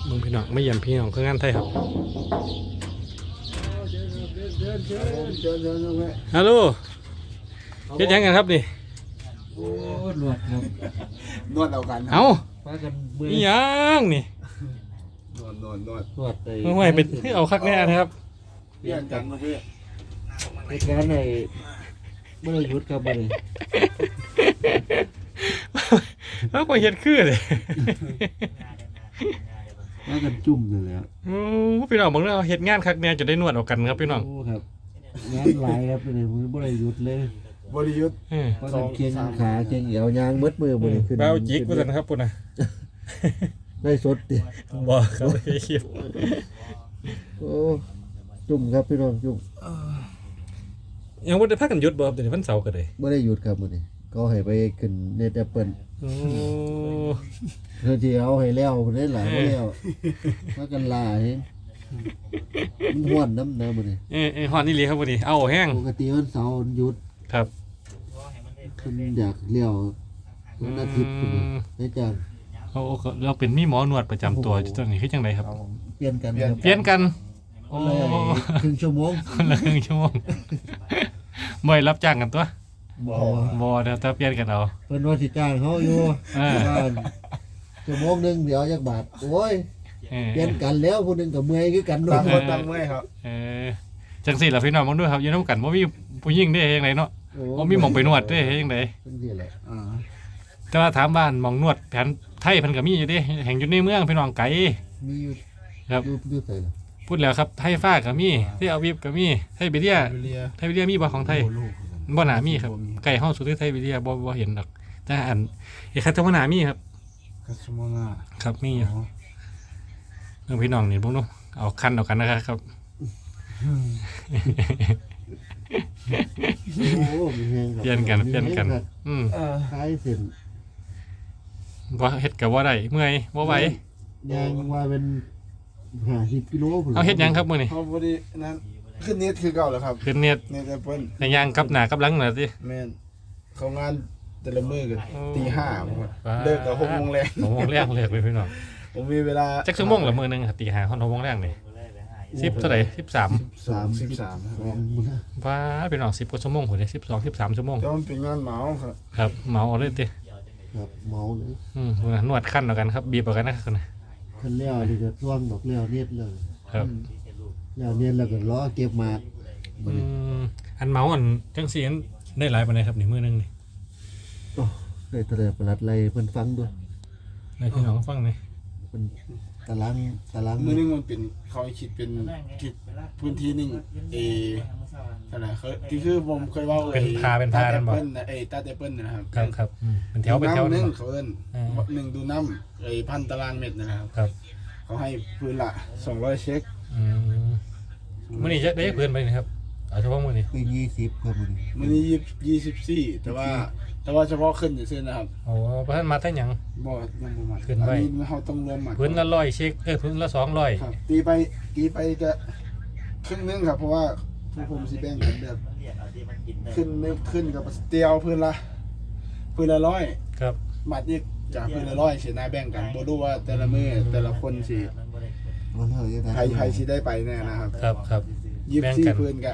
มึงพี่น้องไม่เยี่ยมพี่น้องคืองานไทยครับฮัลโหลเฮ็ดยังกันครับนี่โอ้นวดครับนวดเอากันเอ้าพากันเบื่อนี่ยังนี่นวดไปไม่ไหวเป็นเอาคักแน่นะครับเปลี่ยนกันเมื่อกี้เหตุการณ์ในเมื่อยุดครับบ่นี่แล้วก็เฮ็ดคือเลยพากันจุ่มเลยแหล้วโอ้พี่น้องบางเรื่องเฮ็ดงานคักแน่จะได้นวดเอากันครับพี่น้องโอ้ครับงานหลายครับบ่นี่บ่ได้หยุดเลยบริยุทธ์พากันเคียงขาเคียงเอวยางมืดมือบ่นี่ขึ้นเบาจิกว่าซั่นครับพุ่นน่ะได้สดดิบ่ครับไอ้เหี้ยโอ้จุ่มครับพี่น้องจุ่มยังบ่ได้พักกันหยุดบ่ครับเดี๋ยวนี้วันเสาร์ก็ได้บ่ได้หยุดครับมื้อนี้ก็ให้ไปขึ้นเน็ตแอปเปิ้ลโอ้เพื่อที่เอาให้แล้วพุ่นได้หลายบ่แล้วพากันลาเห็นมันฮ้อนน้ำนะมื้อนี้ฮอดนี่หลีครับพุ่นนี่เอาแห้งปกติวันเสาร์วันหยุดครับคุณอยากเลี้ยววันอาทิตย์คุณได้จังโอ้เราเป็นมีหมอนวดประจำตัวอยู่ตอนนี้คือจังไดครับเปลี่ยนกันครับเปลี่ยนกันโอ้เลยครึ่งชั่วโมงคนละครึ่งชั่วโมงบ่ได้รับจ้างกันตัวบ่บ่เดี๋ยวถ้าเปลี่ยนกันเอาเพิ่นว่าสิจ้างเขาอยู่เออว่าชั่วโมงหนึงเดี๋ยวจักบาทโอ้ยเออเปลี่ยนกันแล้วผู้หนึงก็เมื่อยคือกันด้วต่าย งคนต่างเมื่อยครับเออจังซี่ล่ะพี่น้องมึงด้วยครับอยู่นำกันบ่มีผู้หญิงได้จังไดเนาะบ่มีหม่องไปนวดได้จังไดจังซี่แหละแต่ว่าถามบ้านหม่องนวดแผนไทยเพิ่นก็มีอยู่เด้แห่งอยู่ในเมืองพี่น้องไกลมีอยู่ครับอยู่ไสล่ะพูดแล้วครับไทยฟ้าก็มีที่อาวิฟก็มีไทยเบเรียเรียไทยเบเรียมีบ่ของไทยบ่น่ามีครับไก่เฮาสุดที่ไทยเบเรียบ่เห็นดอกแต่อันไอ้คัตวนามีครับคัสโมนาครับมีอยู่เรื่องพี่น้องนี่พวกนู้นเอาคันเอากันนะครับโอ้มีแฮงครับเปลี่ยนกันคล้ายเส้นว่าเฮ็ดกับว่าได้เมื่อยบ่ไหวยางว่าเป็น50กิโลพุ่นเอาเฮ็ดหยังครับมื้อนี้เขาบรินั้นขึ้นเน็ตคือเก่าแล้วครับขึ้นเน็ตเน็ตแอปเปิ้ลในย่างกับหน้ากับหลังน่ะสิแม่นเขางานแต่ละมื้อกันโอ้ตี 5ผมเลิกกับ6 โมงแรง 6 โมงแรกเลิกเลยพี่น้องผมมีเวลาจักชั่วโมงละมื้อนึงครับตี5 6 โมงแรกนี่10เท่าไหร่13 13ครับมื้อนะว่าพี่น้อง10กว่าชั่วโมงพุ่นเด้12 13ชั่วโมงแต่มันเป็นงานเหมาครับครับเหมาเอาเลยติครับเมาเลยนวดขั้นเอากันครับบีบเอากันนะครับคันแล้วนี่ก็ท่วงดอกแล้วเน็ตเลยครับแล้วเน็ตแล้วก็ล้อเก็บหมากมื้อนี้อันเมาอันจังซี่อันได้หลายปานใดครับนี่มื้อนึงนี่โอ้ได้ตะเลประหลัดไรเพิ่นฟังด้วยให้พี่น้องฟังหน่อยเพิ่นตารางมื้อนึงมันเป็นเขาให้คิดเป็นคิดพื้นที่หนึงเท่าไหร่ที่คือผมเคยเว้าตาแอปเปิ้ลนะตาแอปเปิ้ลนะครับครับเป็นแถวเป็นแถวนึนึงงเขาเอิ้น1ดูน้ำ1,000 ตารางเมตรนะครับครับเขาให้พื้นละ200เช็คมื้อนี้จะได้เพื่อนไปนะครับเอาเฉพาะมื้อนี้คือ20ครับมื้อนี้มื้อนี้24แต่ว่าเฉพาะขึ้นซื่อๆนะครับโอ้บ่ทันมาแต่หยังบ่ยังบ่มาขึ้นไว้อันนี้เฮาต้องรวมหมัดพื้นละ100เช็คพื้นละ200 ครับตีไปก็ครึ่งนึงครับเพราะว่าผู้ผมสิแบ่งกันแบบขึ้นกับเตียวพื้นละ100 ครับหมัดอีกจากพื้นละ100สินะแบ่งกันบ่รู้ว่าแต่ละมื้อแต่ละคนสิมันเฮาจะได้ใครสิได้ไปแน่นะครับครับแบ่งกัน 24พื้นก็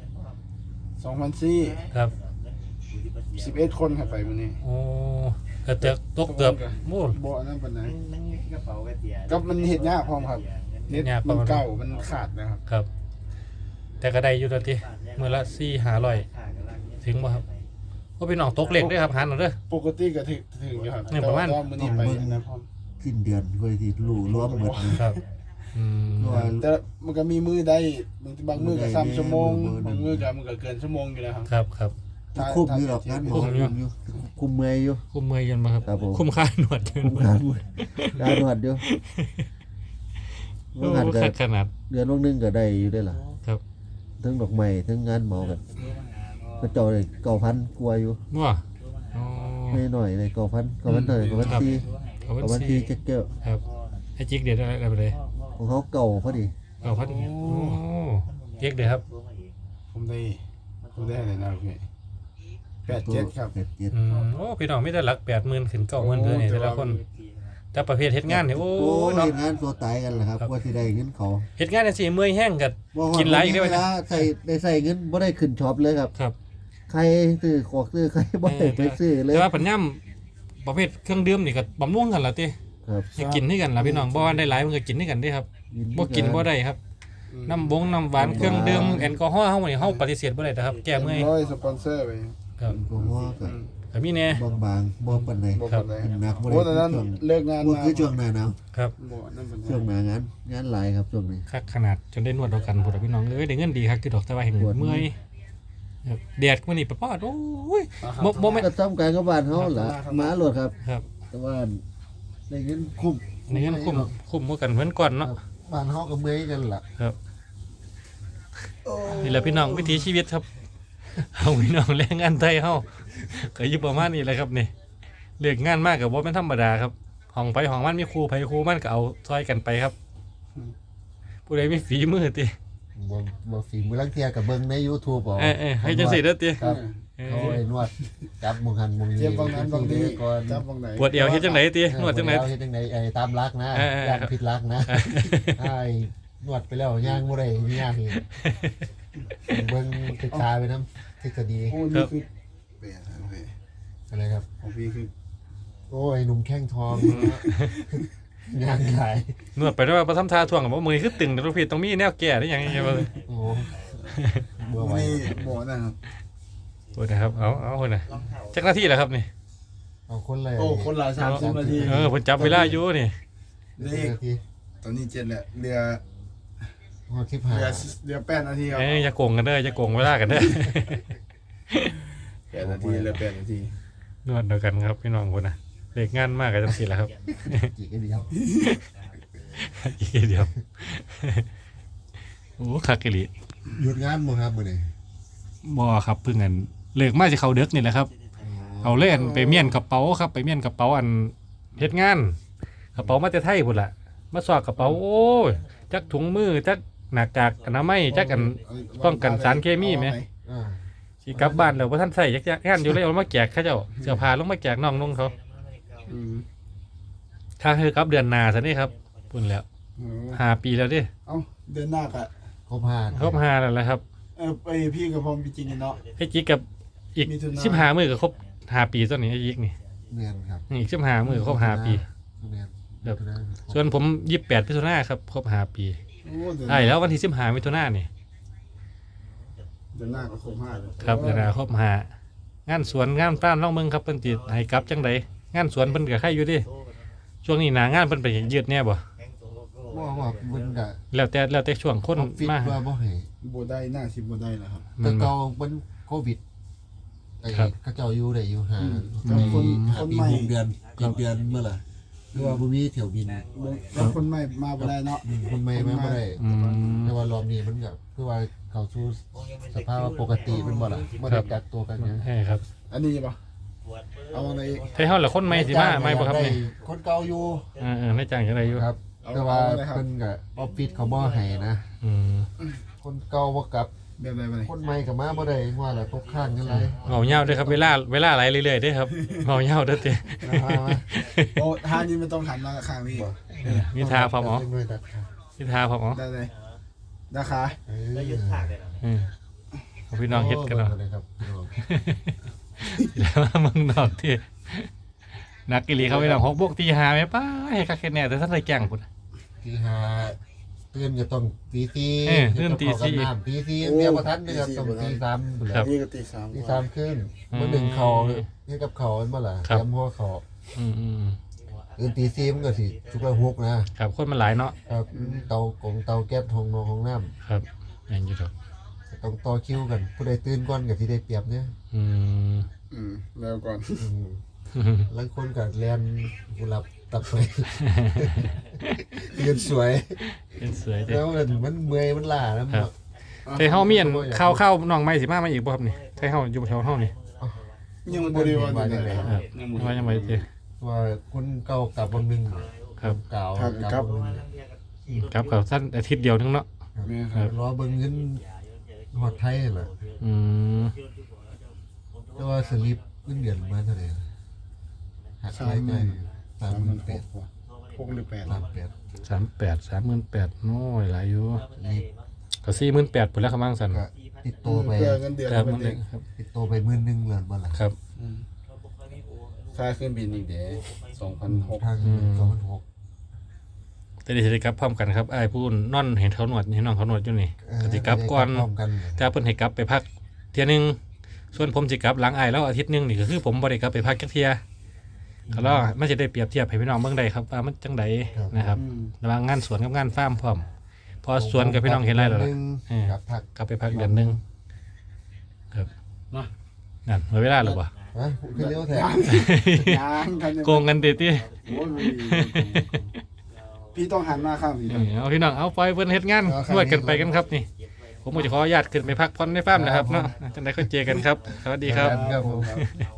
2,400 ครับ 11 คนครับไปมื้อนี้โอ้ก็จะตกเกือบโอ้บ่อันนั้นปานใดก็มันเฮ็ดยากพร้อมครับเน็ตมันเก่ามันขาดนะครับครับ แต่ก็ได้อยู่แล้วติมื้อละ4-500ถึงบ่ครับบ่พี่น้องตกเลขเด้อครับหันเอาเด้อปกติก็ถึงอยู่ครับเนี่ยประมาณแต่ว่ามื้อนี้ไปอันนั้นพร้อมสิ้นเดือนค่อยสิรู้รวมหมดเลยครับว่าแต่มันก็มีมือได้บางมือก็3ชั่วโมงบางมือก็มันก็เกินชั่วโมงอยู่แล้วครับครับคุ้มอยู่หรอกงานหมอคุ้มอยู่คุ้มเมื่อยอยู่คุ้มเมื่อยยันมาครับครับผมคุ้มค่าหนวดยันคุ้มมางานได้นวดอยู่โอ้งานก็ขนาดเดือนนึงก็ได้อยู่ได้ล่ะครับทั้งดอกไม้ทั้งงานหมอกันก็เจ้าได้9,000กว่าอยู่ว่าอ๋อไม่น้อยเลย9,000เท่าไหร่9,000ที่เอาวัน 9,000 สี่ที่เจ๊กครับไอ้จิกเด็ดอะไรไปเลยของเขาเก่าพอดีเอาพัดโอ้เจ๊กเด็ดครับผมได้อะไรนะพี่87ครับ 87 โอ้พี่น้องไม่ได้หลัก80,000ขึ้น90,000เท่านี้แต่ละคน แแต่ประเภทเฮ็ดงานนี่โอ้โอ้ยเนาะเฮ็ดงานตัวตายกันแหละครับกว่าสิได้เงินเขาเฮ็ดงานจังซี่เมื่อยแห้งก็บ่ฮอดกินหลายอีกได้เวไหมลาใส่เงินบ่ได้ขึ้นช็อปเลยครับครับใครซื้อของซื้อใครบ่ได้ไปซื้อเลยแต่ว่าปัญญามประเภทเครื่องดื่มนี่ก็บำรุงกันล่ะติครับให้กินให้กันล่ะพี่น้องบ่ว่าได้หลายมันก็กินให้กันเด้ครับบ่กินบ่ได้ครับน้ำน้ำหวานเครื่องดื่มแอลกอฮอล์เฮานี่เฮาปฏิเสธบ่ได้นะครับแก้เมื่อยร้อยสปอนเซอร์ไปครับผมว่าก็ก็มีแน่บางๆบ่ปานใดบอกกันเลยหนักบ่โอ้ได้แต่นั้นช่วงเลิกงานบ่มาคือช่วงหน้าหนาวครับบ่นั่นเป็นช่วงหน้างานหลายครับช่วงนี้คักขนาดจนได้นวดเอากันพุ่นล่ะพี่น้องเอ้ยได้เงินดีคักคือดอกแต่ว่าแห่งเมื่อยครับแดดมื้อนี้ปะป๊อดโอ้ยบ่แม่นก็ทำการกับบ้านเฮาล่ะมาโลดครับครับแต่ว่าได้เงินคุ้มในเงินคุ้มกว่ากันเหมือนก่อนเนาะบ้านเฮาก็เมื่อยกันล่ะครับนี่แหละพี่น้องวิถีชีวิตครับ เอาพี่น้องแรงงานไทยเฮาก็อยู่ประมาณนี้แหละครับนี่เลือกงานมากกับว่าเป็นธรรมดาครับห้องไปห้องมันมีครูไปครูมันก็เอาซอยกันไปครับผู้ใดมีฝีมือติบ่ฝีมือลังเที่ยก็เบิ่งใน YouTube เอาให้จังซี่เด้อติครับเขาให้นวดจับมุงหันมุงนี้เจ็บบางนั้นบางนี้ก่อนจับบางไหนปวดเอวเฮ็ดจังไดตินวดจังไดเฮ็ดจังไดตามรักนะ ย่างผิดรักนะไอ้นวดไปแล้วย่างบ่ได้ย่างอีกเบิ่งศึกษาไปนำทฤษฎีโอ้นี่คือเปลี่ยนโอเคอะไรครับของพี่คือโอ้ยหนุ่มแข้งทองย่างขายนวดไปด้วยว่าบ่ทำท่าท่วงกับว่ามือคือตึงแต่ทุกพี่ต้องมีแนวแก้ได้หยังไงบ่โอ้บ่ไหวนี่บ่นะครับโอ้นะครับเอาคนน่ะจักหน้าที่แล้วครับนี่เอาคนเลยโอ้คนละ30นาทีเพิ่นจับเวลาอยู่นี่เลขตอนนี้7แล้วเรือฮอดเรือ8นาทีครับอย่าโกงกันเด้ออย่าโกงเวลากันเด้อ 8นาทีเรือ8นาทีนวดเดียวกันครับพี่น้องคนน่ะเด็กงานมากกันจังซี่แหละครับ 15อีกเดียวอีกเดียวโอ้คักอีหลีหยุดงานบ่ครับมื้อนี้บ่ครับเพิ่งอันเลิกมาสิเข้าเด็กนี่แหละครับเอาเล่นไปเมียนกระเป๋าครับไปเมียนกระเป๋าอันเฮ็ดงานกระเป๋ามาแต่ไทยพุ่นล่ะมาสอดกระเป๋าโอ้ยจักถุงมือจักหน้ากากอนามัยจักอันป้องกันสารเคมีไหมอ่าสิกลับบ้านแล้วบ่ทันใส่จักงานอยู่เลยเอามาแจกเขาเจ้าเสื้อผ้าลงมาแจกน้องนุ่งเขาถ้าคือกลับเดือนหน้าซะนี่ครับพุ่นแล้ว5 ปีแล้วเด้เอ้าเดือนหน้าก็ครบ5 ครบ5แล้วแหละครับไปพี่กับพร้อมพี่จริงกันเนาะไอ้จิกกับอีกมิถุนา 15มื้อก็ครบ5 ปีตอนนี้ไอ้จิกนี่แม่นครับอีก15มื้อครบ5 ปีแม่นครับ ส่วนผม28มิถุนายนครับครบ5 ปีโอ้เดือนใช่แล้ววันที่15มิถุนายนนี่เดือนหน้าก็ครบ5เลยครับเดือนหน้าครบ5งานสวนงานป้านล่องเมืองครับเพิ่นสิให้กลับจังไดงานสวนเพิ่นก็ใครอยู่เดิช่วงนี้หน้างานเพิ่นไปยืดแน่บ่ว่ามันก็แล้วแต่ช่วงคนฟิตมาว่าบ่ให้บ่ได้หน้าสิบ่ได้แล้วครับแต่เก่ามันโควิดไอ้เขาเจ้าอยู่ได้อยู่ห่าแล้วคนปีใหม่ 6เดือน7เดือนเมื่อล่ะคือว่าบ่มีเที่ยวบินแล้วคนใหม่มาบ่ได้เนาะคนใหม่มาบ่ได้อืมแต่ว่ารอบนี้มันก็คือว่าเข้าสู่สภาพปกติมันบ่ล่ะบ่ได้กักตัวกันหยังใช่ครับอันนี้ป่ะเอาอะไรอีกไทเฮาละคนใหม่สิมาใหม่บ่ครับนี่คนเก่าอยู่ในจ้างจังไดอยู่ครับ แต่ว่าเพิ่นก็ออฟฟิศเขาบ่ให้นะอืมคนเก่าบ่กลับแบบไหนบ่ได้คนใหม่ก็มาบ่ได้ว่าล่ะตกข้างกันหลายเมาเหย้าเด้อครับเวลาไหลเรื่อยๆเด้อครับเมาเหย้าเด้อติมาโอ้ทานนี้มันต้องหันมาข้างนี้มีทาพร้อมอ๋อด้วยดัดขามีทาพร้อมอ๋อได้เลยนะคะแล้วยึดถากเลยเอาพี่น้องเฮ็ดกันเนาะเลยครับพี่น้องแล้วมึงนอกที่นักกิลีเขาไปนำ6 บวกตี5แม่ป้าให้คักแค่แน่แต่ท่านได้แกล้งพุ่นตีห้าตื่นก็ต้องตีสี่ตื่นตีสี่ตีสี่เมียบ่ทันเด้อครับต้องตี3พุ่นแหครัละบนี่ก็ตีสามตี3ครึ่งมื้อหนึ่งเขาเฮ็ดกับเขาแม่นบ่ล่ะครับเตรียมหัวเขาอืมตื่นตี4มันก็สิชุกละ6นะครับคนมันหลายเนาะครับเตากงเตาแก๊สห้องนอนห้องน้ำครับแม่นอยู่ดอกต้องต่อคิวกันผู้ใดตื่นก่อนก็สิได้เปรียบเนี่ยอืมแล้วก่อนบางคนก็แล่นกุหลาบตับไปยืนสวยเป็นสวยเด้แล้วมันเมื่อยมันล้าแล้วครับแต่เฮามีอันข้าวน้องใหม่สิมาอีกบ่ครับนี่ไทเฮาอยู่แถวเฮานี่ยังบ่ได้ว่าจังได๋ครับว่ายังไงเด้ว่าคนเก่ากลับวันหนึงครับเก่ากลับวันหนึงครับกับสั้นอาทิตย์เดียวนึงเนาะแม่ครับรอเบิ่งเงินฮอดไทยน่ะอืมแต่ว่าสลิปเงินเดือนมาเท่าไหร่หักรายจ่าย38,000 6หรือ8 38 38,000น้อยหลายอยู่นี่ก็48,000พุ่นแล้วครับบางสันก็ติดโตไปเพื่อเงินเดือนครับมัมัน นเอเองงครับติดโตไป10,000เหรียญบ่ล่ะครับค่าเครื่องบินอีกเด้ทาง 2006 แต่ได้สิได้กลับพร้อมกันครับอ้ายผู้นอนเห็นเขาหนวดเห็นน้องเขาหนวดอยู่นี่ก็สิกลับก่อนพร้อมกันแต่เพิ่นให้กลับไปพักเที่ยหนึงส่วนผมสิกลับหลังอ้ายแล้วอาทิตย์หนึงนี่ก็คือผมบ่ได้กลับไปพักจักเที่ยก็แล้วมันจะได้เปรียบเทียบให้พี่น้องเบิ่งได้ครับว่ามันจังไดนะครับอืมระหว่างงานสวนกับงานฟาร์มพร้อมพอสวนกับพี่น้องเห็นไรแล้วล่ะครับพักกลับไปพักเดือนหนึงครับมานั่นหมดเวลาแล้วบ่ฮะคือเลี้ยวแถยางกันยังโกงกันติติโอ้ยบ่มีพี่ต้องหันมาข้างพี่เอาพี่น้องเอาปล่อยเพิ่นเฮ็ดงานนวดกันไปกันครับนี่ ผมก็จะขออนุญาตขึ้นไปพักผ่อนในฟาร์มนะครับเนาะจังได๋ค่อยเจอกันครับ สวัสดีครับครับผมครับ